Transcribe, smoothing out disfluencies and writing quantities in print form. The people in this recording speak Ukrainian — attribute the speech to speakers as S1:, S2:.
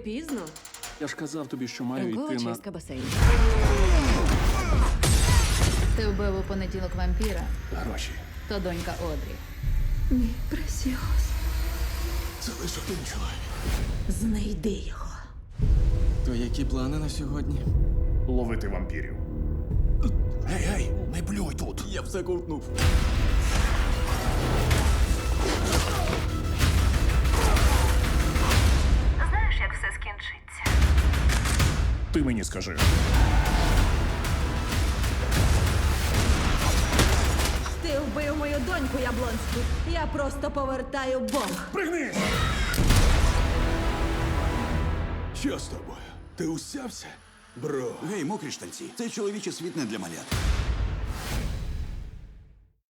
S1: пізно.
S2: Я ж казав тобі, що маю
S3: Ранкова
S2: йти на...
S3: чистка басейну.
S4: Ти вбив у понеділок вампіра,
S2: Гроші.
S4: то донька Одрі.
S1: Мій пресіос.
S2: Це лише один чоловік.
S1: Знайди його.
S5: То які плани на сьогодні?
S2: Ловити вампірів. Гей, не плюй тут.
S5: Я все ковтнув.
S6: Знаєш, як все скінчиться?
S2: Ти мені скажи.
S1: Ти вбив мою доньку, Яблонський. Я просто повертаю Бог.
S2: Пригни!
S7: Що з тобою? Ти усявся? Бро.
S8: Гей, мокрі штанці. Це чоловічий світ не для малят.